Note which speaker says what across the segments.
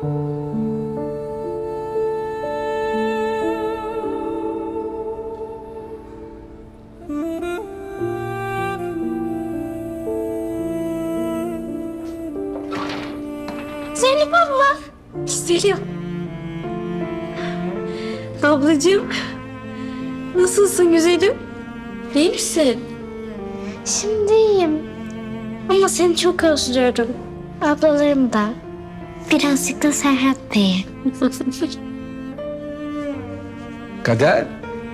Speaker 1: Zeynep abla.
Speaker 2: Güzelim. Ablacığım. Nasılsın güzelim? İyi misin?
Speaker 1: Şimdi iyiyim. Ama seni çok özlüyorum. Ablalarım da. Birazcık da Serhat Bey'i.
Speaker 3: Kader,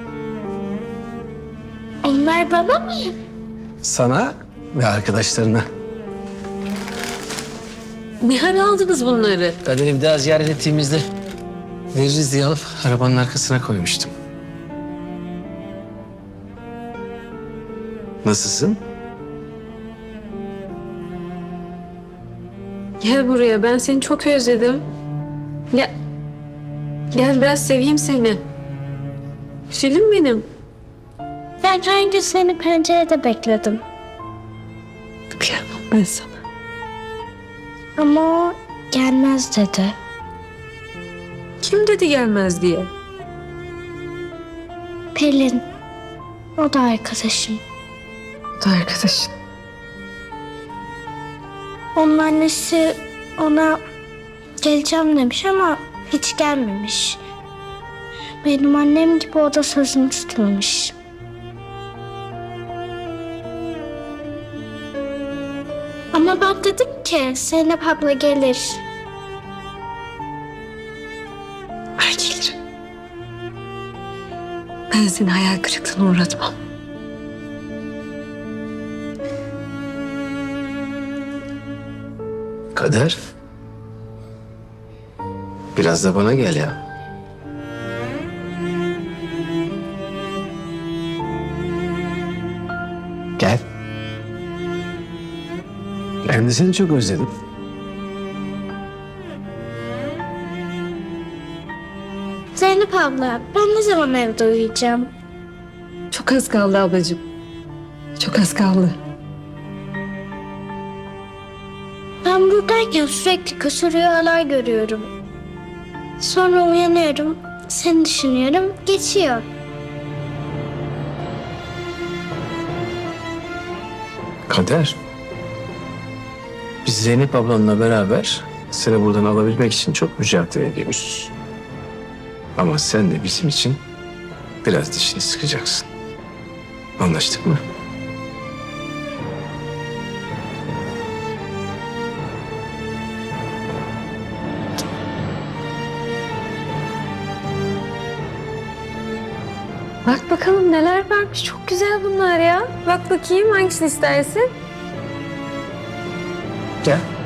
Speaker 1: Onlar baba mı?
Speaker 3: sana ve arkadaşlarına.
Speaker 2: Ne hal aldınız bunları?
Speaker 3: Kader'i bir daha ziyaret ettiğimizde veririz diye alıp arabanın arkasına koymuştum. Nasılsın?
Speaker 2: Gel buraya, ben seni çok özledim. Gel. Gel biraz seveyim seni. Güzelim benim.
Speaker 1: Ben her gün seni pencerede bekledim.
Speaker 2: Kıyamam ben sana.
Speaker 1: Ama o gelmez dedi.
Speaker 2: Kim dedi gelmez diye?
Speaker 1: Pelin. O da arkadaşım.
Speaker 2: O da arkadaşın.
Speaker 1: Onun annesi ona geleceğim demiş ama hiç gelmemiş. Benim annem gibi o da sözünü tutmamış. Ama ben dedim ki Zeynep abla gelir.
Speaker 2: Ben gelirim. Ben seni hayal kırıklığına uğratmam.
Speaker 3: Kader. Biraz da bana gel ya. Gel. Ben de seni çok özledim.
Speaker 1: Zeynep abla ben ne zaman evde uyuyacağım?
Speaker 2: Çok az kaldı ablacığım. Çok az kaldı.
Speaker 1: Ben buradayken sürekli kötü rüyalar görüyorum. Sonra uyanıyorum, seni düşünüyorum, geçiyor.
Speaker 3: Kader. Biz Zeynep ablanla beraber seni buradan alabilmek için çok mücadele ediyoruz. Ama sen de bizim için biraz dişini sıkacaksın. Anlaştık mı?
Speaker 2: Bak bakalım neler varmış. Çok güzel bunlar ya. Bak bakayım hangisini istersin?
Speaker 3: Gel.